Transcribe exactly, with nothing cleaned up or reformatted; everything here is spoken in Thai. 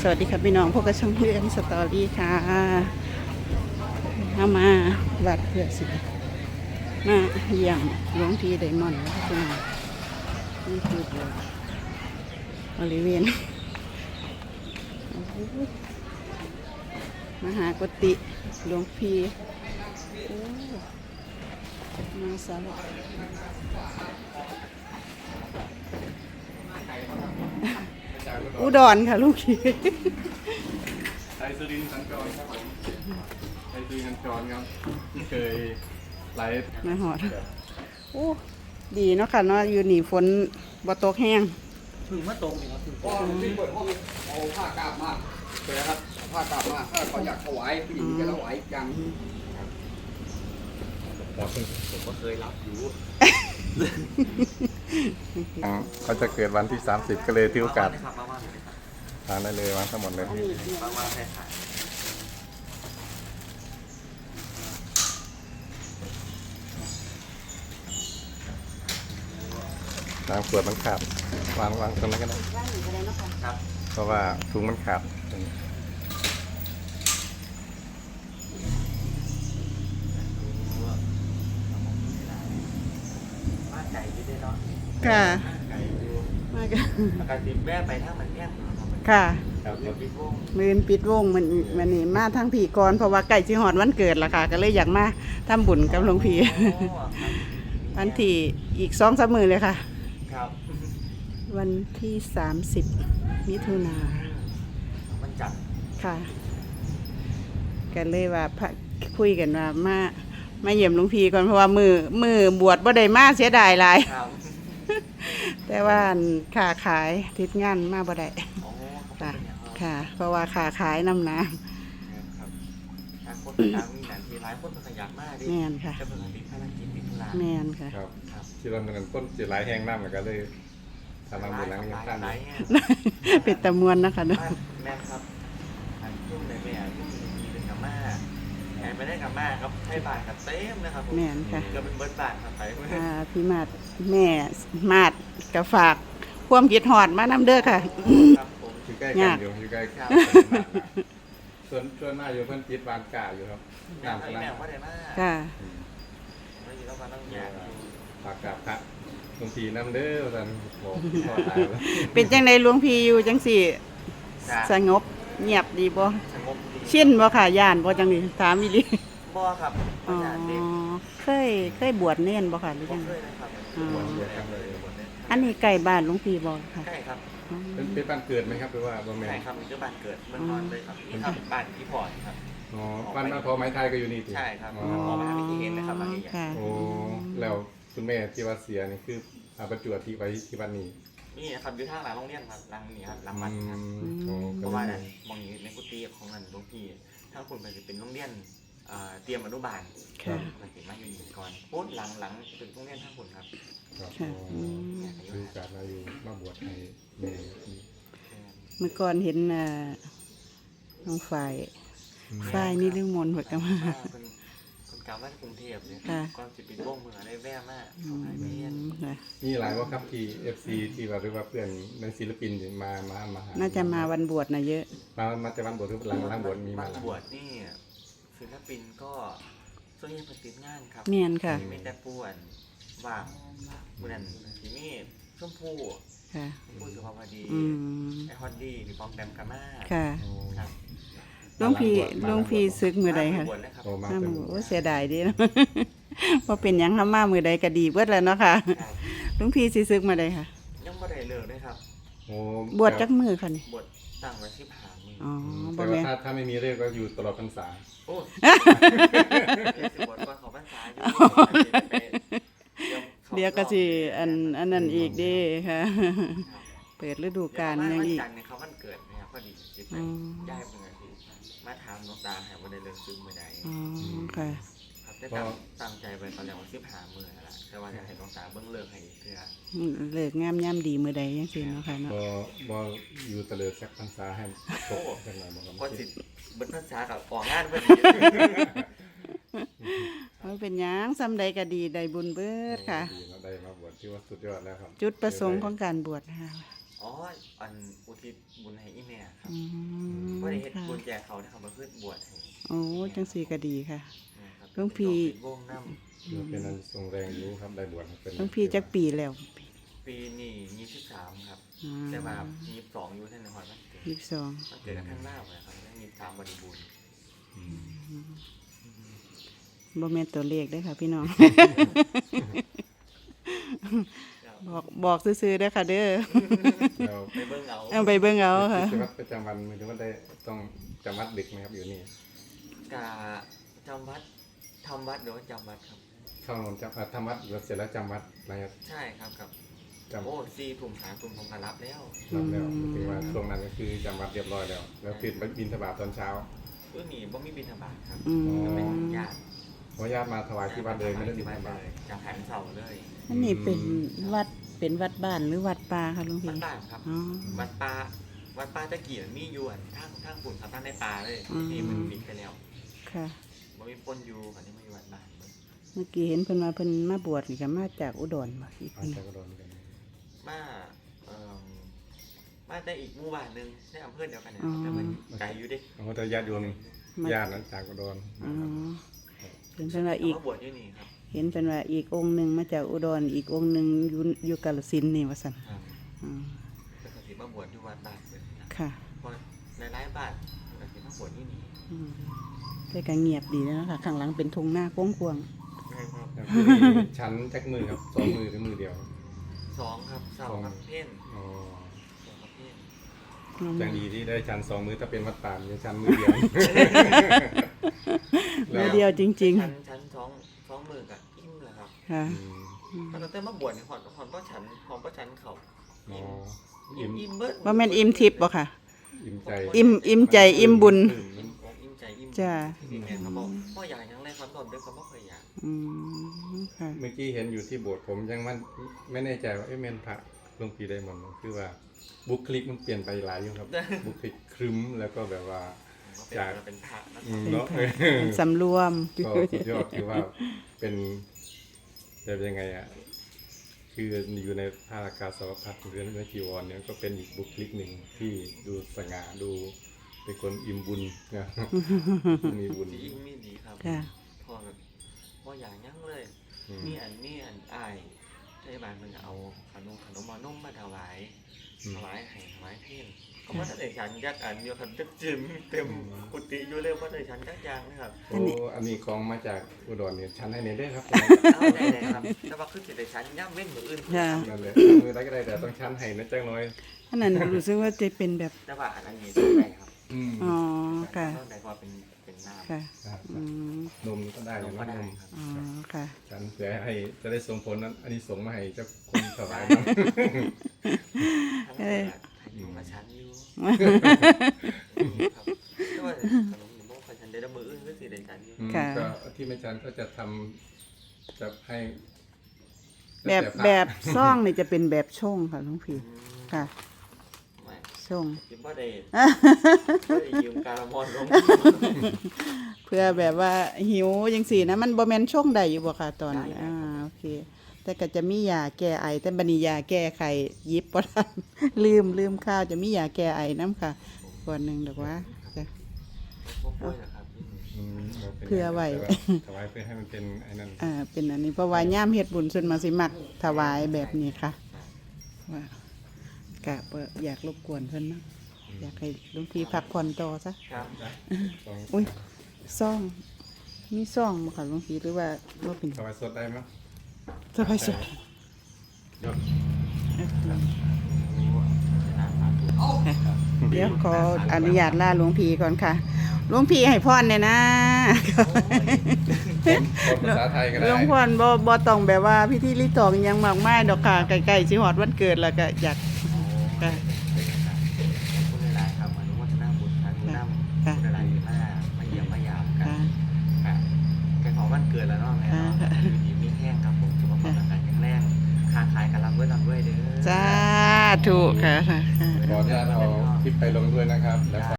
วัสดีครับพี่น้องพวกกระช่องเรื่องสตอรี่ค่ะเข้ามาวัดเพื่อสิมาเยี่ยมหลวงพี่ไดมอนด์พี่น้องนี่คือบริเวณมหากุฏิหลวงพี่โอ้มาสารอุดรค่ะลูกพี่ไทยสุรินทร์สัญจรครับผมไทยสุรินทร์สัญจรครับที่เคยไลฟ์มาหอดโอ้ดีเนาะค่ะเนาะอยู่นี่ฝนบ่ตกแห้งถึงมาตรงนี่ครับถึงก็ที่เปิดห้องเอาผ้ากาบมาเลยครับผ้ากาบมาถ้าเขาอยากถวายผู้หญิงจะถวายอย่างผมก็เคยรับอยู่เขาจะเกิดวันที่สามสิบก็เลยถือโอกาสครับมากๆเลยครับทานได้เลยวันทั้งหมดเลยมากๆแค่ขายน้ำขวดมันขาดวางวางตรงนั้นก็ได้ครับเพราะว่าถุงมันขาดมาไก่ที่ได้เนาะค่ะไก่ดูมากันปกติแม่ไปทั้งมันเนี่ยค่ะครับเดี๋ยวพี่พงมือนปิดวงมันมันนี่มาทั้งผีกรเพราะว่าใกล้สิฮอดวันเกิดละค่ะ ก็เลยอยากมาทำบุญกับหลวงพี่วันที่อีกสองสามมื้อเลยค่ะครับวันที่สามสิบมิถุนามันจับค่ะกันเลยว่าพระคุยกันว่ามามาเยี่ยมหลวงพี่ก่อนเพราะว่ามือมือบวชบ่ได้มาเสียดายหลายครับแต่ว่าค่าขายทิศงานมาบ่ได้โอ้ค่ะค่ะ เพราะว่าค่าขายน้ำน้ครับทางคนทางมีหนังทีร้ายคนขยันมากดิำแม่นค่ะจะเป็นติดภารกิจติดธุระแม่นค่ะครับครับที่เราเป็นต้นจีไรแห้งน้ำเหมือนกันเลยทำน้ำบุญล้างยังท่านหลายเป็นตะมวนนะคะเนาะแม่ครับอันยุ่งเลยแม่ยุ่งมีเป็นกับม่าแอนไม่ได้กับม่าครับให้บาทกับเต็มนะครับผมแม่นค่ะก็เป็นเบิร์ดบาทครับไปอ่าพี่มาดแม่มาดกับฝากความคิดฮอดมานำเด้อค่ะครับผมอยู่ใกล้กันอยู่อยู่ใกล้กันส่วนส่วนหน้าอยู่เพื่อนจิตวางกาอยู่ครับแม่น้ำให้กำลังแม่ว่าได้มากค่ะไม่ยินแล้วมาต้องอยากอยู่ฝากกับพระบางทีน้ำเด้อท่านบอกพ่อตายแล้วเป็นจังไดหลวงพี่อยู่จังสี่สงบเงียบดีบ่สงบดีชินบ่ค่ะย่านบ่จังนี่ถามอีหลีบ่ครับอ๋อญาติเด็กเคยเคยบวชเน้นบ่ค่ะหรือบ่จังเคยนะครับอ๋อบวชเยอะเลยบวชเนี่ยอันนี้ใกล้บ้านหลวงพี่บ่ค่ะใช่ครับอ๋อเป็นเป็นบ้านเกิดไหมครับหรือว่าบ้านแม่ใช่ครับมีเจ้าบ้านเกิดเมืองนอนเลยครับนี่ครับบ้านพี่พอร์ตครับอ๋อบ้านบ้านพอไม้ไทยก็อยู่นี่ติใช่ครับอ๋อพอมาทำพิธีเองนะครับบางอย่างค่ะโอ้แล้วคุณแม่ที่ว่าเสียนี่คืออาประจวบที่ไว้ที่บ้านนี้นี่นะครับอยู่ทางหลังโรงเรียนครับหลังนี้ครับหลังอืวัดครับมโอ้เพก็ราะเลว่าย นั่นมองนี้ในกุฏิของนั่นหลวงพี่ถ้าคุณไปจะเป็นโรงเรียนเอ่อเตรียมอนุบาลค่ะมันเป็นมาอยู่นี่ก่อนพูดหลังหลังเป็นโรงเรียนท่าคุณครับครับค่ะอ๋ออืมคือการมาอยู่มาบวชให้แม่เมื่อก่อนเห็นอ่าน้องฝ่ายฝ่ายนี่ลืมมนต์หมดกันมาอ่าเป็นคนกลางบ้านกรุงเทพเนี่ยค่ะก่อนจะเป็นวงเมืองได้แว่มากอืเขาให้ไปเรียนมค่ะมีหลายว่าครับที่ เอฟ ซี ที่ว่าหรือว่าเพื่อนในศิลปินที่มามามาหาน่าจะมาวันบวชนะเยอะมามาจากบ้านบวชหรือหลังหลังบวชมีมาบางหลายบวชนี่ศิลปินก็ส่วนใหญ่ปฏิบัติงานครับเมียนค่ะมีแต่ป่วนว่างบุญนันที่นี่ชมพู่ค่ะชมพู่สุภาพดีอืมไอฮอตดี้พี่ปอมแปมกามาค่ะโอ้ครับหลวงพี่หลวงพี่ซึกมือใดค่ะบวชเลยครับโอ้มามาเป็นมือโอ้เสียดายเดีเนาะ ว่าเป็นหยังทำมามือใดก็ดีเบิดแล้วเนาะค่ะครับหลวงพี่สิซึกมาใดค่ะยังไม่ได้เลิกเลยครับโอ้บวชจักมือค่ะนี่บวชตั้งไว้ที่ผามืออ๋อแต่บ่ว่าแม่นถ้าถ้าไม่มีเรื่องก็อยู่ตลอดพรรษาโอ้สิบวชก่อนเขาพรรษาอยู่เดี๋ยวก็สิอันอันนั้นอีกเด้ค่ะ เปิดฤดูกาลยังอีกวันจันทร์เนี่ยเขาวันเกิดเนี่ยพอดีจิตไปอืมย้ายเมื่อที่มาถามน้องตาหาว่าได้เลิกซื้อมือใดอ๋อค่ะครับได้ตั้งตั้งใจไปตอนแรกว่าสิบหามือแล้วล่ะแต่ว่าจะให้น้องตาเบิ้งเลิกให้เพื่อเลิกงามย่ำดีมือใดยังสิเนาะค่ะเนาะบ่บ่อยู่ตะเลิดสักพรรษาให้ตกจังหน่อยบ่ครับก็สิเบิ้งภาษากับออกงานพอดีมันเป็นหยังซ้ำใดก็ดีได้บุญเบิดค่ะดีเนาะได้มาบวชที่ว่าสุดยอดแล้วครับจุดประสงค์ของการบวชนะคะอ๋ออันอุทิศบุญให้อีแม่ครับอืมบ่ได้เฮ็ดค่ะบุญแจกเขานะครับมาเพื่อบวชให้โอ้จังสีก็ดีค่ะนะครับหลวงพี่เป็นวงน้เป็นอันทรงแรงรู้ครับได้บวชเป็นหลวงพี่จักปีแล้วำปีนี้ยี่สิบสามครับอ่าแต่ว่ายี่สิบสองอยู่ท่านนครมันเกิดยี่สิบสองมันเกิดกับท่านลาวนะครับได้ยี่สิบสามบริบูรณ์อืมบ่แม่นตัวเลขเด้อค่ะ พี่น้อง บอกบอกซื่อๆเด้อค่ะ เด้อแล้วไปเบิ่งเอาเอาไปเบิ่งเอาค่ะกิจวัตรประจำวันหรือว่าได้ต้องจำวัดดึกไหมครับอยู่นี่กาจำวัดทำวัดหรือว่าจำวัดครับเข้านอนจำอ่ะทำวัดแล้วเสร็จแล้วจำวัดอะไรครับใช่ครับกับจำโอ้ซีถุงหาถุงผมก็รับแล้วรับแล้วถึงว่าช่วงนั้นก็คือจำวัดเรียบร้อยแล้ว แล้วตื่นไปบิณฑบาตตอนเช้าเพื่อมีบ่มีบิณฑบาตครับอืมจะเป็นญาติเพราะญาติมาถวายที่วัดเลยไม่ได้บิณฑบาตจะแผนเสาเลยอันนี้เป็นวัดเป็นวัดบ้านหรือวัดป่าค่ะหลวงวัพี่ดป่าครับอ๋อวัดป่าวัดป่าตะเกียบมีอยู่อันทางทางปุ่นครับทางในป่าเลยอืมที่มันปิดไปแล้วค่ะบ่มีปนอยู่อันนี้มาอยู่วัดบ้านเบิ่งเมื่อกี้เห็นเพิ่นมาเพิ่นมาบวชนี่ก็มาจากอุดรบ่อีกอาเพิ่นจารย์ก็โดนกันมาเอ่อมาแต่อีกหมู่บ้านหนึงในอำเภอเดียวกันนะครับแต่มันไกลอยู่เดิเขาจะญาติโยมญาตินั้นจากก็โดนอ๋อเห็นเพิ่นว่าอีกมาบวชอยู่นี่ครับเห็นเพิ่นว่าอีกองค์หนึงมาจากอุดรอีกองค์หนึงอยู่อยู่กาฬสินธุ์นี่ว่าซั่นครับอ๋อแต่ก็สิมาบวชอยู่วัดบ้านเพิ่นนะค่ะเพราะในหลายบ้านก็สิมาบวชอยู่นี่อืมแต่ก็เงียบดีแล้วค่ะข้างหลังเป็นทุ่งนากว้างแม่นครับแล้วที่นี่ชั้นจักมือครับสองมือหรือมือเดียวสองครับเสากับเพ่นอ๋อเสากับเพ่นๆจังดีที่ได้ชั้นสองมือถ้าเป็นวัดป่าจะชั้นมือเดียวมือเดียวจริงชั้นชั้นสองสองมือกับอิ่มแหละครับๆ ค่ะอืมตอนแต่มาบวชนี่หอนหอนก็ฉันหอนก็ฉันเขาอ๋ออิ่อิ่มมอิ่มเบิดว่าแม่นอิ่มทิพย์บ่ค่ะอิ่มใจอิ่มอิ่มใจอิ่มบุญอกอิ่มใจอิ่มจ้าที่แม่เขาบอกพ่ออยากยังไรความตอนเด็กเขาไม่เคยอยากอืมค่ะเมื่อกี้เห็นอยู่ที่โบสถ์ผมยังมันไม่แน่ใจว่าเอ๊ะเมนพระหลวงพี่ได้มนต์คือว่าบุคลิกมันเปลี่ยนไปหลายอยู่ครับ บุคลิกครึ้มแล้วก็แบบว่าจากเป็นพระนะอืมเป็นเนาะค่ะเป็นสำรวมก็สุดยอดคือว่าเป็นจะเป็นยังไงอ่ะคืออยู่ในผ้าอากาสาวพัดหรือในจีวรเนี่ยก็เป็นอีกบุคลิกหนึ่งที่ดูสง่าดูเป็นคนอิ่มบุญนะ มีบุญที่อิ่มมีดีครับค่ะพ่อแบบพ่ออยากยังเลยอืมมีอันนี้อันอายเทศบาลมันเอาขนมขนมมานุ่มมาถวายอืมถวายให้ถวายเพ่นเขาว่าถ้าเด็กฉันยักอันเดียวกันจะจิ้มเต็มกุฏิอยู่เร็วว่าเด็กฉันจักยางนะครับโอ้อันนี้ของมาจากอุดรเนี่ยชั้นให้เนี่ยได้ครับเอาได้เลยครับแต่ว่าคือสิเด็กฉันย่ำเว้นมืออื่นค่ะนั่นแหละมือได้ก็ได้แต่ต้องชั้นให้นะจังน้อยอันนั้นรู้สึกว่าจะเป็นแบบแต่ว่าอันนี้ได้ครับอืมอ๋อค่ะต้องได้เพราะเป็นเป็นน้ำค่ะอืมนมก็ได้นนะมก็ได้นมครับอ๋อค่ะชั้นเพื่อให้จะได้ส่งผลนั้น อันนี้ส่งมาให้เจ้าคนถวายนะทั้งหมดอะอยู่กับฉันอยู่ครับแต่ว่าขนมหมูกับฉันได้ละมืออื่นก็สิได้ฉันอยู่อืมค่ะก็ที่แม่จันก็จะทำจะให้แบบล้วต่พระแบบซ่องนี่จะเป็นแบบช่องค่ะหลวงพี่อืมค่ะไม่ช่องคิดว่าได้บ่ได้ยืมการมอนลงเพื่อแบบว่าหิวจังซี่นะมันบ่แม่นช่องใดอยู่บ่ค่ะตอนนี้ได้อ่าครับโอเค แต่ก็จะมียาแก้ไอแต่บัดนี้ยาแก้ไข้หยิบบ่ทัน ลืมลืมข้าวจะมียาแก้ไอนํค่ะก่อนหนึงดอกว่าจ้ะพวกกล้วยนะครับอืมาป็นเพื่อไว้แต่าถวายเพื่อให้มันเป็นไอ้นั่นอ่าเป็นอันนี้เพราะว่าย่ามเฮ็ดบุญส่วนมากสิมักถวายแบบนี้ค่ะว่ากะบ่อยากรบกวนเพิ่นเนาะอยากให้หลวงพี่พักผ่อนต่อซะครับต้องอุ้ยซ่องมีซ่องบ่ค่ะหลวงพี่หรือว่าบ่เป็นถวายสดได้ไหมสบายสุดยกเดี๋ยวขออนุญาตลาหลวงพี่ก่อนค่ะหลวงพี่ให้พรเนี่ยนะคนภาษาไทยก็หลได้วงพ่อบ่บ่ต้องแบบว่าพิธีรีตองอิหยังมากมายดอกค่ะใกล้ๆสิฮอดวันเกิดแล้วก็อยากค่ะคุณหลายๆครับอนุโมทนาบุญครับคุณนำค่ะคุณหลายๆมามาเยี่ยมมายามกันค่ะค่ะแกของวันเกิดแล้วเนาะแม่เนาะค่ะอยู่ดีมีแห้งครับผมสุขภาพร่างกายแข็งแรงค้าขายกันรับด้วยรับด้วยเด้อสาธุค่ะขออนุญาตเอาคลิปไปลงด้วยนะครับแล้ว